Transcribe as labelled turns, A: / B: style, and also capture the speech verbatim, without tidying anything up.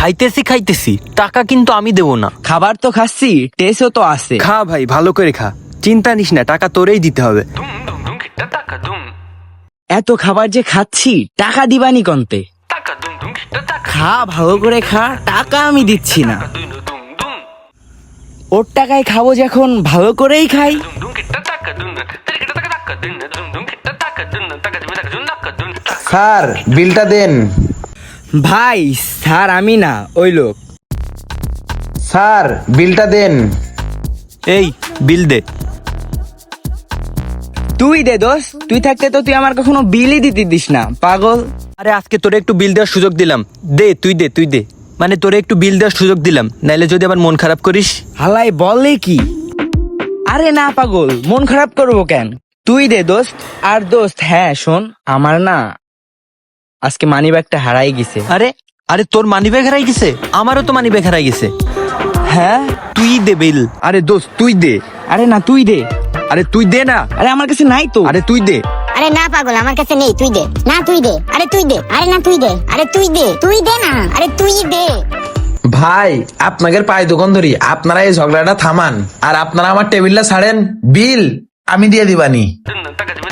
A: খাইতেছি খাইতেছি টাকা কিন্তু আমি দেবো না।
B: খাবার তো খাচ্ছি, টেস্টও তো আছে।
A: খা ভাই, ভালো করে খা, চিন্তা নিস না, টাকা তোরেই দিতে হবে।
B: এত খাবার যে খাচ্ছি, টাকা দিবানি কন্তে? খা, ভালো করে খা, টাকা আমি দিচ্ছি না। ওর টাকায় খাবো যখন, ভালো করেই খাই।
C: স্যার বিলটা দেন।
B: ভাই স্যার আমি না, ওই লোক।
C: স্যার বিলটা দেন।
A: এই বিল দে।
B: তুই দে দোস্ত, তুই থাকতে তো তুই আমার কখনো বিলই দিতে দিস না, পাগল।
A: আরে আজকে তোরে একটু বিল দেওয়ার সুযোগ দিলাম, দে তুই দে তুই দে, মানে তোরে একটু বিল দেওয়ার সুযোগ দিলাম, নাইলে যদি আবার মন খারাপ করিস।
B: হালাই বলে কি? আরে না পাগল, মন খারাপ করবো কেন? তুই দে দোস্ত। আর দোস্ত হ্যাঁ শোন, আমার না আজকে মানি ব্যাগটা হারাই গেছে।
A: আরে আরে তোর মানি ব্যাগ হারাই গেছে? আমারও তো মানি ব্যাগ হারাই গেছে।
B: হ্যাঁ
A: তুই দে বিল।
D: আরে দোস্ত তুই দে।
B: আরে না তুই দে।
D: আরে তুই দে না।
B: আরে আমার কাছে নাই তো।
D: আরে তুই দে।
E: আরে না পাগল, আমার কাছে নেই, তুই দে না, তুই দে, আরে তুই দে, আরে না তুই দে, আরে তুই দে, তুই দে না, আরে তুই দে।
C: ভাই আপনাদের পায়ে দোকান ধরি, আপনারা এই ঝগড়াটা থামান আর আপনারা আমার টেবিলটা ছাড়েন, বিল আমি দিয়ে দিবানি।